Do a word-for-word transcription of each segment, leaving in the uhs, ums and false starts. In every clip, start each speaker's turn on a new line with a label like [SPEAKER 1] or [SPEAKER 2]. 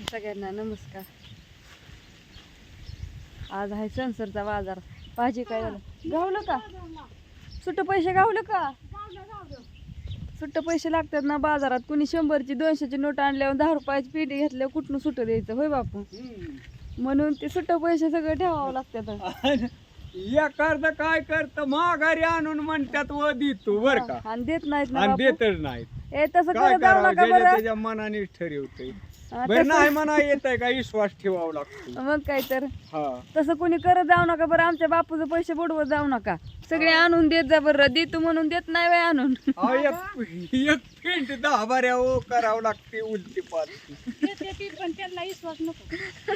[SPEAKER 1] सगळ्यांना नमस्कार. आज आहे सणसरचा बाजार. भाजी काय झालं गावलं का? सुट्ट पैसे गावलं का? सुट्ट पैसे लागतात ना बाजारात. कुणी शंभरची दोनशेची नोट आणल्यावर दहा रुपयाची पेटी घेतल्यावर कुठून सुट्ट द्यायचं होय बापू? म्हणून ते सुट्ट पैसे सगळं ठेवावं लागतात.
[SPEAKER 2] एखाद काय करत माघारी आणून म्हणतात व देतो बर का,
[SPEAKER 1] आणि देत नाहीत ना
[SPEAKER 2] आणि
[SPEAKER 1] बापू.
[SPEAKER 2] देतच नाहीत.
[SPEAKER 1] ए तसं
[SPEAKER 2] काय
[SPEAKER 1] करत जाऊ
[SPEAKER 2] करावं,
[SPEAKER 1] नका
[SPEAKER 2] ज्याच्या
[SPEAKER 1] बरं.
[SPEAKER 2] त्याच्या मनाने ठरवतंय.
[SPEAKER 1] हा,
[SPEAKER 2] बरं
[SPEAKER 1] तसं-
[SPEAKER 2] नाही म्हणा येत आहे का विश्वास ठेवावा लागतो.
[SPEAKER 1] मग काय तर
[SPEAKER 2] हा
[SPEAKER 1] तसं कोणी करत जाऊ नका बरं. आमच्या बापूचं पैसे बुडवत जाऊ नका. सगळे आणून देत जा बरं. देतो म्हणून देत नाही बाई आणून.
[SPEAKER 2] अहो, एक एक पेंट दहा बाऱ्या ओ करावं लागते उलटी पालटी.
[SPEAKER 3] पण त्यांना विश्वास नको.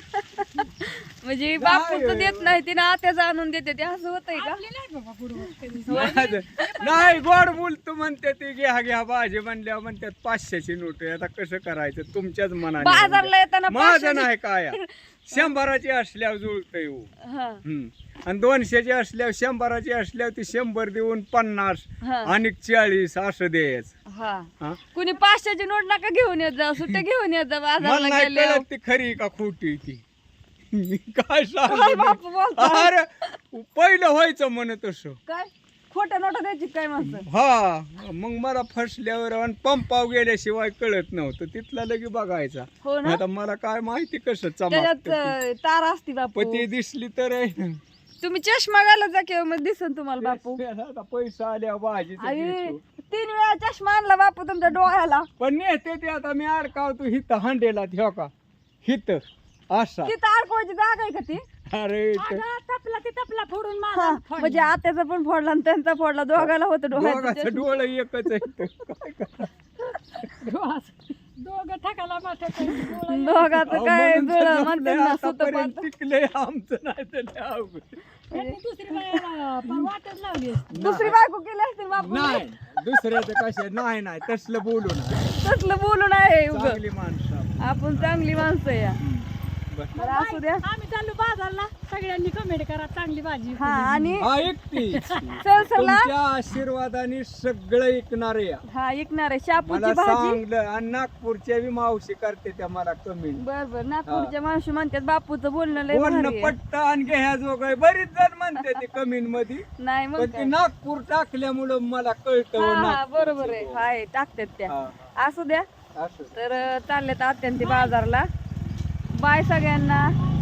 [SPEAKER 1] म्हणजे बापूच देत नाही तिने आत्याच आणून देते ते असं होतंय का?
[SPEAKER 3] आपले नाही बाबा बुडवत कधी.
[SPEAKER 2] नाही नाही, गोड बोलतो म्हणते ते घ्या घ्या भाजी म्हणल्यावर म्हणतात पाचशेची नोट आहे. आता कसं करायचं तुमच्याच मनाने.
[SPEAKER 1] बाजारला येताना
[SPEAKER 2] माझं
[SPEAKER 1] पाचशेची-
[SPEAKER 2] नाही काय शंभराची असल्यावर जुळतंय हो.
[SPEAKER 1] हा,
[SPEAKER 2] हम्म. आणि दोनशेची असल्यावर शंभराची असल्यावर ती शंभर देऊन पन्नास
[SPEAKER 1] हा,
[SPEAKER 2] आणि चाळीस असं द्यायचं.
[SPEAKER 1] हा.
[SPEAKER 2] हा?
[SPEAKER 1] कुणी पाचशेची नोट नका घेऊन येत जा. सुट्ट्या घेऊन येत जा
[SPEAKER 2] मला
[SPEAKER 1] बाजारला
[SPEAKER 2] नाही
[SPEAKER 1] गेल्यावर.
[SPEAKER 2] कळत ती खरी का खोटी ती. मी काय
[SPEAKER 1] काय
[SPEAKER 2] सांग
[SPEAKER 1] बापू बोलताय?
[SPEAKER 2] अरे पहिलं व्हायचं म्हण तसं.
[SPEAKER 1] काय खोट्या नोटा द्यायची काय माणसं?
[SPEAKER 2] हा मग मला फसल्यावर आणि पंपाव गेल्याशिवाय कळत नव्हतं. तिथला लगे बघायचा.
[SPEAKER 1] हो ना.
[SPEAKER 2] आता मला काय माहिती कसं
[SPEAKER 1] त्याच्यात
[SPEAKER 2] चमकतं ते.
[SPEAKER 1] अं, तार असती बापू.
[SPEAKER 2] पण ती दिसली तर आहे.
[SPEAKER 1] तुम्ही चष्मा घाला जा किंवा मग दिसन तुम्हाला बापू.
[SPEAKER 2] आता पैसा आल्या भाजी
[SPEAKER 1] आणि तीन वेळा चष्मा आणला बापू तुमच्या डोळ्याला.
[SPEAKER 2] पण नेते ते आता मी अडकावतो हित हांडेला ठेव का हित असा.
[SPEAKER 1] तिथं अडकवायची जागा आहे का ती?
[SPEAKER 2] अरे इथं.
[SPEAKER 3] अगं, तपला ते तपला फोडून
[SPEAKER 1] हा,
[SPEAKER 3] माझा फोडला.
[SPEAKER 1] म्हणजे आत्याचा पण फोडला आणि त्यांचा फोडला. दोघाला होतं डोळ्याचं
[SPEAKER 2] दोघाचं
[SPEAKER 1] चष्मा.
[SPEAKER 2] डोळं एकच आहे इथं. काय करा
[SPEAKER 3] डोळा- दोघं ठकाला माठा करून डोळा एक.
[SPEAKER 1] दोघाचं
[SPEAKER 2] अहो,
[SPEAKER 1] काय
[SPEAKER 2] म्हणून तर
[SPEAKER 1] जुळं
[SPEAKER 2] जमलंय,
[SPEAKER 1] म्हणतात ना सुतं
[SPEAKER 2] आतापर्यंत
[SPEAKER 1] पातं.
[SPEAKER 2] टिकलंय आमचं नाही तर लय अवघड.
[SPEAKER 3] त्यांनी दुसरी बायाला पण वाटच लावली असती.
[SPEAKER 1] दुसरी बायको केली असतील बापू.
[SPEAKER 2] नाही दुसऱ्याचं कशा नाही नाही तसलं बोलू नये.
[SPEAKER 1] तसलं बोलू नाही उगाच.
[SPEAKER 2] चांगली माणसं आपण.
[SPEAKER 1] आपण चांगली माणसं या.
[SPEAKER 2] बरं.
[SPEAKER 1] बरं असू द्या.
[SPEAKER 3] आम्ही चाललो बाजारला. सगळ्यांनी कमेंट करा चांगली भाजी.
[SPEAKER 1] हा आणि
[SPEAKER 2] हा एकटी
[SPEAKER 1] सरसरला
[SPEAKER 2] तुमच्या आशीर्वादाने सगळं ऐकणारे या.
[SPEAKER 1] हा ऐकणार आहे शापूची
[SPEAKER 2] मला
[SPEAKER 1] भाजी.
[SPEAKER 2] सांगलं आणि नागपूरच्या बी मावशी करते त्या मला कमी
[SPEAKER 1] बर बर नागपूरच्या मावशी म्हणतात बापूचं बोलणं लय भारी
[SPEAKER 2] बोलणं
[SPEAKER 1] आहे.
[SPEAKER 2] पट्ट आणि घ्या जोग बरीच जण म्हणते ते कमीन मध्ये.
[SPEAKER 1] नाही मग
[SPEAKER 2] पण ते
[SPEAKER 1] काय.
[SPEAKER 2] नागपूर टाकल्यामुळं मला कळतं
[SPEAKER 1] हा हा
[SPEAKER 2] नागपूरचं
[SPEAKER 1] बरोबर आहे.
[SPEAKER 2] बोल.
[SPEAKER 1] हाय टाकतात त्या.
[SPEAKER 2] हा,
[SPEAKER 1] असू द्या.
[SPEAKER 2] असं.
[SPEAKER 1] तर चाललेत आत्यांती बाजारला. बाय सगळ्यांना.